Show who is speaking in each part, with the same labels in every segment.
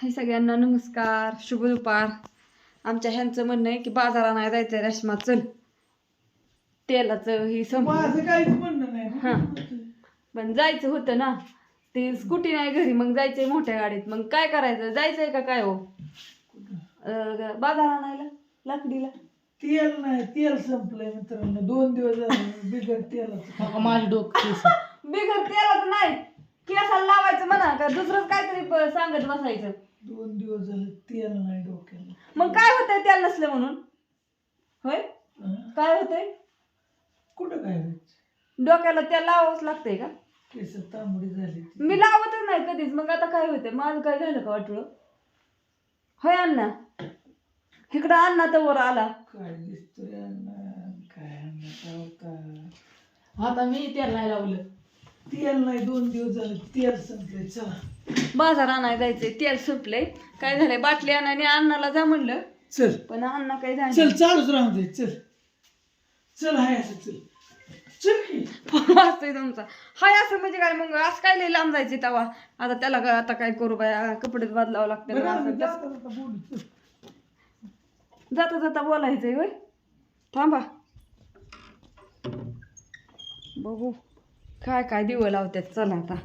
Speaker 1: हाय सगळ्यांना नमस्कार, शुभ दुपार. आमच्या ह्यांचं म्हणणं आहे की बाजारात नाही जायचंय रेश्मा, चल तेलाचं ही
Speaker 2: माझं काहीच म्हणणं नाही.
Speaker 1: हा पण जायचं होतं ना, ती स्कूटी नाही घरी, मग जायचंय मोठ्या गाडीत. मग काय करायचं, जायचंय का काय हो बाजार आणायला लाकडीला?
Speaker 2: तेल नाही, तेल संपलंय मित्रांनो. 2 दिवस झाले बिगर तेलाचं.
Speaker 3: माझी डोकं
Speaker 1: बिगर तेलाचं नाही, केसाला लावायचं म्हणा का दुसरंच काहीतरी सांगत बसायचं.
Speaker 2: 2 दिवस झाले तेल नाही डोक्याला.
Speaker 1: मग काय होतंय तेल नसलं म्हणून? होय काय होतंय?
Speaker 2: कुठं काय व्हायचं?
Speaker 1: डोक्याला तेल लावावंच लागतंय का?
Speaker 2: केस तांबडी झाली.
Speaker 1: मी लावतच नाही कधीच. मग आता काय होतंय, माझं काय झालं का वाटलं? होय अण्णा, इकडं अण्णा तर वर आला.
Speaker 2: काय दिसतोय अण्णा, काय अण्णा होता.
Speaker 3: आता मी तेल नाही लावलं.
Speaker 2: तेल नाही, 2 दिवस झाले तेल संपलंय. चला
Speaker 1: बाजार आणायला जायचंय, तेल संपलंय. काय झालंय, बाटली आणायला अण्णाला जा म्हणलं,
Speaker 2: चल
Speaker 1: पण अण्णा काय झालं,
Speaker 2: चल चालूच राहू दे. चल चल, हाय असं चल चल की.
Speaker 1: वाचतोय तुमचा. हाय असं म्हणजे काय, मग असं काय लई लांब जायचे तेव्हा. आता त्याला आता काय करू बाया, कपडेच बदलावं लागते.
Speaker 2: बरं, आम्ही जाता जाता बोलू. चल.
Speaker 1: जाता जाता बोलायचंय होय. थांबा बघू काय काय दिवं लावतात. चला आता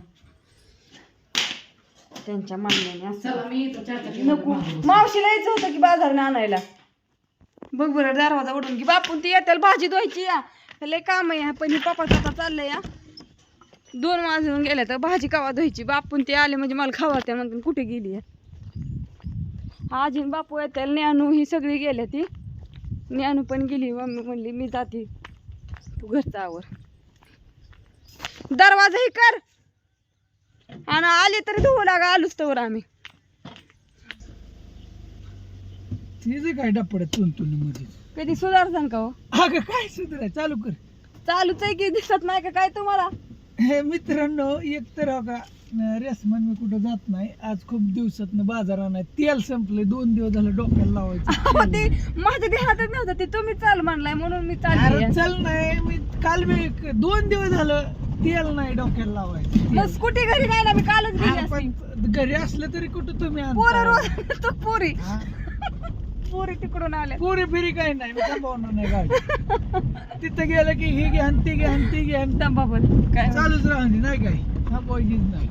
Speaker 1: त्यांच्या म्हणण्याने असं.
Speaker 3: चला मी इथं चर्चा
Speaker 1: नको, मावशीला यायचं होतं की बाजारने आणायला. बघ बरं दरवाजा उडून की बापून ती येतील भाजी धुवायची या, लय काम आहे. पण पप्पाचं आता चाललंय या, 2 वाजून गेले तर भाजी कवा धुवायची. बापून ते आले म्हणजे मला खावाते म्हणून कुठे गेली आहे. आजी बापू येतील, ज्ञानू ही सगळी गेले. ती ज्ञानू पण गेली. मम्मी म्हणली मी जाते, तू घरचा आवर, दरवाजा ही कर. आणि आले तरी धुवू लागा, आलोच तर आम्ही.
Speaker 2: तिचं काय डपड तुंतुनी मध्ये.
Speaker 1: कधी सुधारसान का हो?
Speaker 2: अगं काय सुधाराय, चालू कर.
Speaker 1: चालूच आहे की, दिसत नाही का काय तुम्हाला?
Speaker 2: हे मित्रांनो, एक तर हो का रेसमन मी कुठं जात नाही. आज खूप दिवसातनं बाजार आणाय तेल संपलंय. 2 दिवस झालं डोक्याला लावायचं.
Speaker 1: ते माझ्या ध्यानातच नव्हतं, ते तुम्ही चाल म्हणलाय म्हणून मी चालली.
Speaker 2: अरे चल नाही, मी काल मी 2 दिवस झालं तेल नाही डोक्याला लावायचं.
Speaker 1: मग स्कूटी घरी नाही ना, मी कालच गेली
Speaker 2: अरे
Speaker 1: असती.
Speaker 2: पण घरी असलं तरी कुठं तुम्ही आणता?
Speaker 1: पोरं रोज तो पोरी
Speaker 2: हा?
Speaker 1: पोरी तिकडून आल्या.
Speaker 2: पोरी फिरी काही नाही, मी थांबवणार नाही गाडी. तिथं गेलं की ही घ्या ती घ्या ती घ्या,
Speaker 1: तंबाबत काय
Speaker 2: चालूच राहते नाही काय, थांबवायचीच नाही.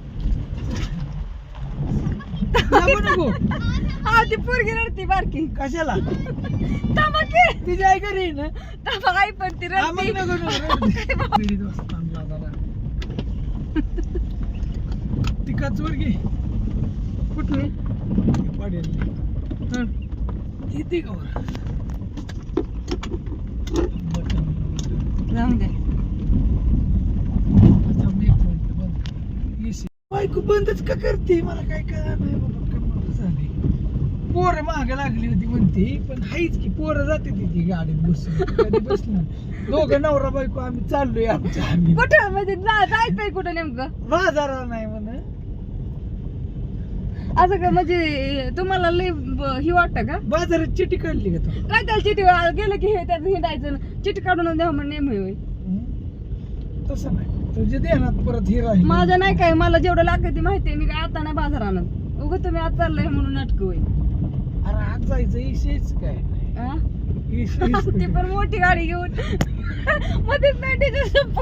Speaker 2: थांबू नको.
Speaker 1: हा ती पोरगी रडती बारकी.
Speaker 2: कशाला?
Speaker 1: थांबा की,
Speaker 2: तिची आई घरी आहे ना.
Speaker 1: थांबा आई पण ती
Speaker 2: हा, मग
Speaker 1: रडती.
Speaker 2: नको नको. पिढीत बसताना जरा. ती काचवर घे
Speaker 1: कुठली?
Speaker 2: पडेल येते का वर?
Speaker 1: जाऊन दे.
Speaker 2: बायको बंदच का करते, मला काय कळलं नाही बाबा. कमाल झाली. पोरं मागे लागली होती म्हणते, पण हायच की पोरं जाते तिथे गाडीत बसून. कधी बसलं दोघं नवरा बायको आम्ही चाललोय आमच्या आम्ही.
Speaker 1: कुठं म्हणजे जायचंय कुठं नेमकं?
Speaker 2: बाजाराला नाही म्हण.
Speaker 1: असं का म्हणजे तुम्हाला लय ही वाटतं का?
Speaker 2: बाजारात चिठी काढली का तू?
Speaker 1: काय त्याला चिठी गेलं की हे त्यात हिंडायचं, चिठी काढून द्या म्हणून नेहमी होय.
Speaker 2: तसं नाही, तुझे ध्यानात परत ही राहील.
Speaker 1: माझं नाही काय, मला जेवढं लागतं ते माहितीये. मी काय आता नाही बाजार आणत. उगं तुम्ही आज चाललंय म्हणून नाटक होय.
Speaker 2: अरे आज जायचं इशेच काय नाही.
Speaker 1: आ?
Speaker 2: इशेच
Speaker 1: ती पण मोठी गाडी घेऊन मध्येच नाही डिझेल.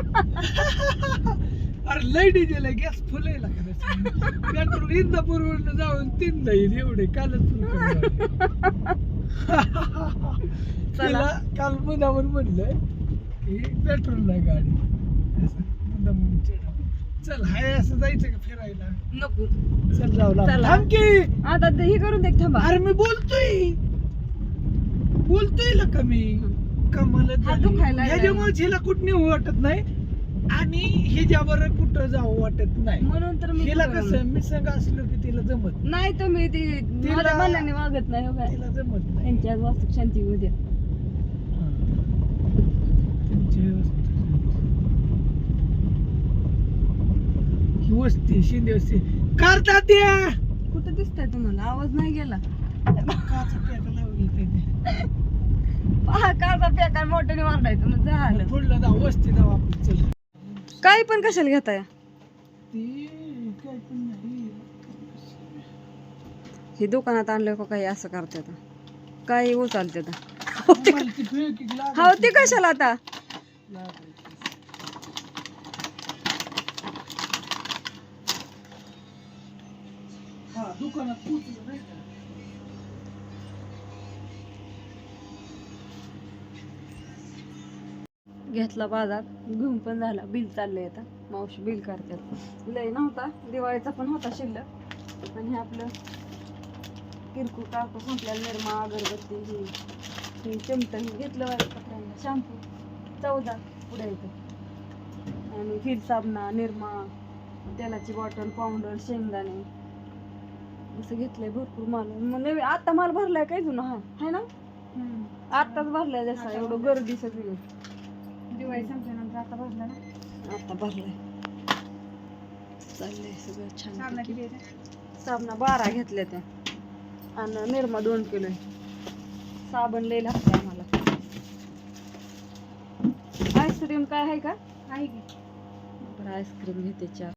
Speaker 2: अरे लय डिझेल आहे, गॅस फुल आहे लागत. पेट्रोल इंदापूरवरनं जाऊन 3 जाईल एवढे कालच फुल करून. तिला काल मुदामून म्हणलं की पेट्रोल नाही गाडी, मुदामून चिडवलं. चल हाय असं जायचं का फिरायला?
Speaker 1: नको
Speaker 2: चल जाऊ लाग.
Speaker 1: चला.
Speaker 2: थांब की.
Speaker 1: आता ते हे करून दे की, थांबा.
Speaker 2: अरे मी बोलतोय का मी कमाल
Speaker 1: हात दुखायला लागलाय.
Speaker 2: ह्याच्यामुळे हिला कुठं नेऊ वाटत नाही आणि ह्याच्यावर कुठं जाऊ वाटत नाही.
Speaker 1: म्हणून तर मी
Speaker 2: हिला कसं मी संग असलो की तिला जमत
Speaker 1: नाही. तुम्ही ती माझ्या मनाने वागत नाही हो काय.
Speaker 2: तिला जमत नाही.
Speaker 1: त्यांची आज वास्तू शांती होऊ द्या.
Speaker 2: वस्ती शिंदे वस्ती करतात या.
Speaker 1: कुठं दिसतंय तुम्हाला? आवाज नाही गेला.
Speaker 2: काचा पेटा लावली त्याने.
Speaker 1: पहा काचा पेकार मोठ्याने वाढायचं मग झालं.
Speaker 2: पुढलं जाऊ वस्ती जाऊ आपण. चल
Speaker 1: काही पण कशाला घेताय?
Speaker 2: ती काय पण नाही.
Speaker 1: हे दुकानात आणलं का काही असं करतात काही उचलतात
Speaker 2: आम्हाला ती फेविक्विक लागत
Speaker 1: हो ते कशाला आता
Speaker 2: लागायची. हा दुकानात पोचलं नाही का?
Speaker 1: घेतला बाजार घेऊन पण झाला बिल चाललंय आता मावशी बिल करतात लय नव्हता दिवाळीचा पण होता शिल्लक पण हे आपलं किरकोळ काकू संपल्याला निरमा अगरबत्ती हे चिमटं हे घेतलं कपड्यांना शॅम्पू 14 पुढे येतं आणि फिर साबणा निरमा तेलाची बॉटल पावडर शेंगदाणे असं घेतलंय भरपूर माल मग नवीन आता माल भरलाय काय जुना हा है ना आत्ताच भरलाय जसा एवढं गर्दी सगळी
Speaker 3: दिवाळी संपल्यानंतर आता भरला ना.
Speaker 1: आता भरलाय चाललंय सगळं
Speaker 3: साबणा
Speaker 1: छान
Speaker 3: किती येते?
Speaker 1: साबणा 12 घेतल्या त्या आणि निरमा 2 किलो साबण लय लागते आम्हाला आईस्क्रीम काय आहे का
Speaker 3: आहे की
Speaker 1: बरं आईस्क्रीम घेते 4